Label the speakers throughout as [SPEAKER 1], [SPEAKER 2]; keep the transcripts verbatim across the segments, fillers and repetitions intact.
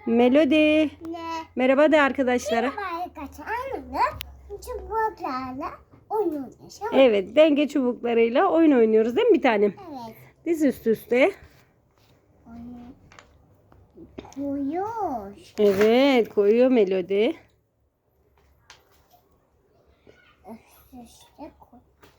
[SPEAKER 1] Melody.
[SPEAKER 2] Ne?
[SPEAKER 1] Merhaba de arkadaşlara.
[SPEAKER 2] Merhaba arkadaşlar. Çubuklarla oynuyoruz.
[SPEAKER 1] Evet, denge çubuklarıyla oyun oynuyoruz değil mi bir tanem?
[SPEAKER 2] Evet.
[SPEAKER 1] Diz üst üste.
[SPEAKER 2] Koyuyor.
[SPEAKER 1] Evet, koyuyor Melody.
[SPEAKER 2] Üst üste koy.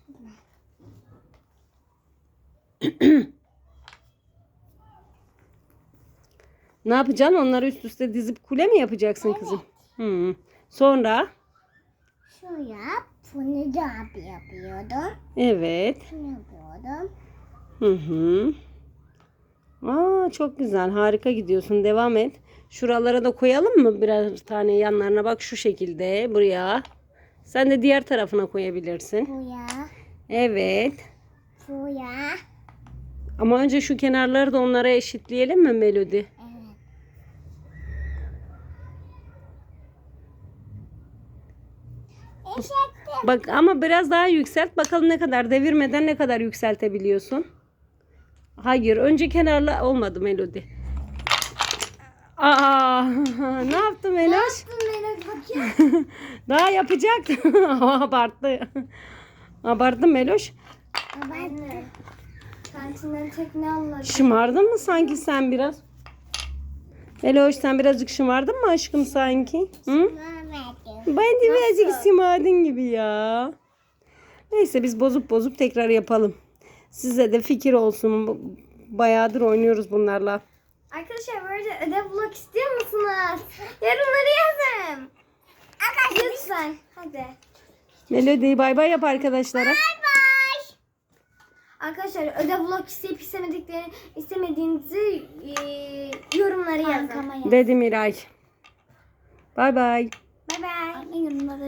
[SPEAKER 1] Ne yapacaksın? Onları üst üste dizip kule mi yapacaksın kızım? Hı. Sonra?
[SPEAKER 2] Şu yap. Bunu da yapıyordum.
[SPEAKER 1] Evet.
[SPEAKER 2] Şunu yapıyordum.
[SPEAKER 1] Hı hı. Aa, çok güzel. Harika gidiyorsun. Devam et. Şuralara da koyalım mı birer tane yanlarına? Bak şu şekilde buraya. Sen de diğer tarafına koyabilirsin.
[SPEAKER 2] Bu ya.
[SPEAKER 1] Evet.
[SPEAKER 2] Bu ya.
[SPEAKER 1] Ama önce şu kenarları da onlara eşitleyelim mi Melody?
[SPEAKER 2] Evet. Eşektim.
[SPEAKER 1] Bak ama biraz daha yükselt. Bakalım ne kadar devirmeden ne kadar yükseltebiliyorsun. Hayır. Önce kenarla olmadı Melody. Aa, ne yaptın Meloş? Daha yapacaktı. Abarttı. Abarttın Meloş.
[SPEAKER 2] Anne. Kantinden tekne almadım.
[SPEAKER 1] Şımardın mı sanki sen biraz? Meloş sen birazcık şımardın mı aşkım sanki? Hı? Ben de birazcık şımardın gibi ya. Neyse biz bozup bozup tekrar yapalım. Size de fikir olsun. Bayağıdır oynuyoruz bunlarla.
[SPEAKER 2] Arkadaşlar böyle ödev blok istiyor musunuz? Yorumları yazın. Lütfen. Hadi.
[SPEAKER 1] Melody bay bay yap arkadaşlara.
[SPEAKER 2] Bay bay. Arkadaşlar ödev blok isteyip istemedikleri istemediğinizi e, yorumlara yazın.
[SPEAKER 1] Dedi Miray. Bay bay.
[SPEAKER 2] Bay bay.